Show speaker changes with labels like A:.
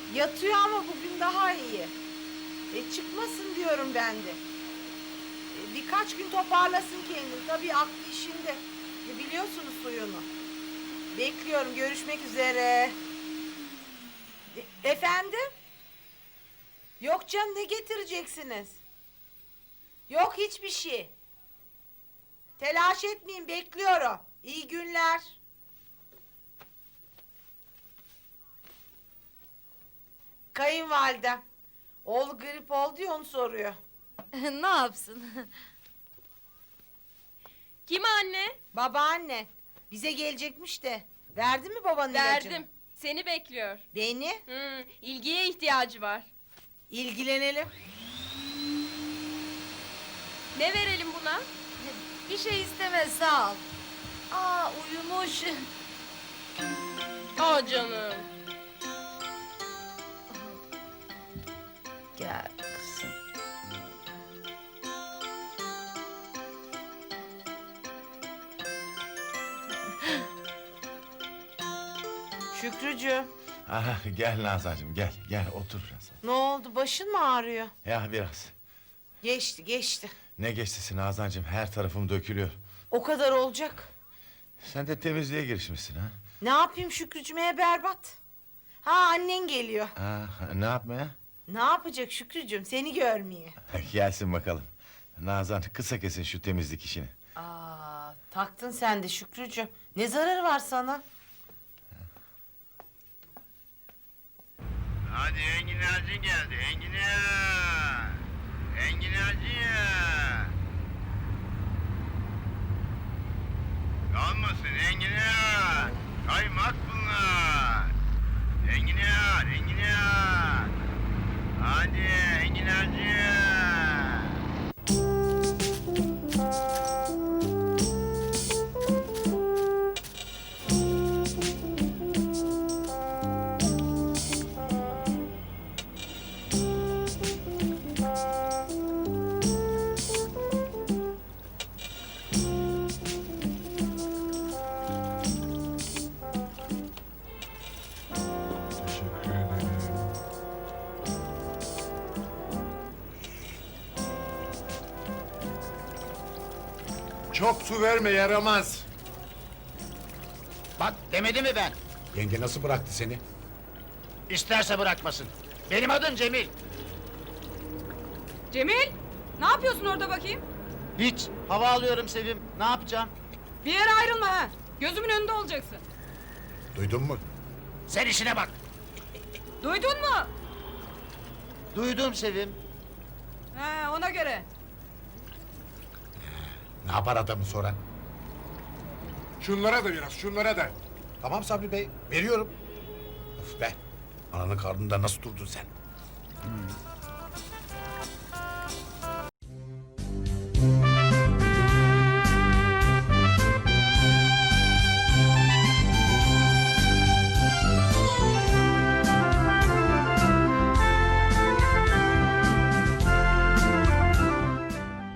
A: Yatıyor ama bugün daha iyi. Çıkmasın diyorum ben de. Birkaç gün toparlasın kendini. Tabii aklı işinde. Biliyorsunuz suyunu. Bekliyorum. Görüşmek üzere. Efendim? Yok canım, ne getireceksiniz? Yok hiçbir şey. Telaş etmeyin, bekliyorum. İyi günler. Kayınvalidem. Oğlu grip oldu ya, onu soruyor.
B: Ne yapsın?
C: Kim anne?
A: Babaanne. Bize gelecekmiş de. Verdin mi babanın ilacını?
C: Verdim. Seni bekliyor.
A: Beni?
C: İlgiye ihtiyacı var.
A: İlgilenelim.
C: Ne verelim buna?
B: Bir şey istemez, sağ ol. Aa, uyumuş.
C: Aa canım.
B: Gel kızım.
A: Şükrücüğüm.
D: Aha, gel Nazancığım gel otur biraz.
A: Ne oldu, başın mı ağrıyor?
D: Ya biraz.
A: Geçti.
D: Ne geçtisi Nazancığım, her tarafım dökülüyor.
A: O kadar olacak.
D: Sen de temizliğe girişmişsin ha?
A: Ne yapayım Şükrücüğüme, berbat. Ha, annen geliyor.
D: Ne yapmaya?
A: Ne yapacak Şükrücüğüm, seni görmeye.
D: Gelsin bakalım. Nazan, kısa kesin şu temizlik işini.
A: Aa, taktın sen de Şükrücüğüm. Ne zararı var sana?
E: Hadi enginarcı geldi, enginar. Enginarcı. Kalmasın enginar. Kaymak bunlar. Enginar. Hadi enginarcı.
D: Teşekkür ederim.
F: Çok su verme, yaramaz.
E: Bak demedi mi ben?
F: Yenge nasıl bıraktı seni?
E: İsterse bırakmasın. Benim adım Cemil.
G: Cemil, ne yapıyorsun orada bakayım?
E: Hiç. Hava alıyorum Sevim. Ne yapacağım?
G: Bir yere ayrılma ha. Gözümün önünde olacaksın.
F: Duydun mu?
E: Sen işine bak.
G: Duydun mu?
E: Duydum Sevim.
G: He, ona göre.
F: Ne yapar adamı sonra?
H: Şunlara da biraz, şunlara da.
F: Tamam Sabri Bey, veriyorum. Of be, ananın karnında nasıl durdun sen?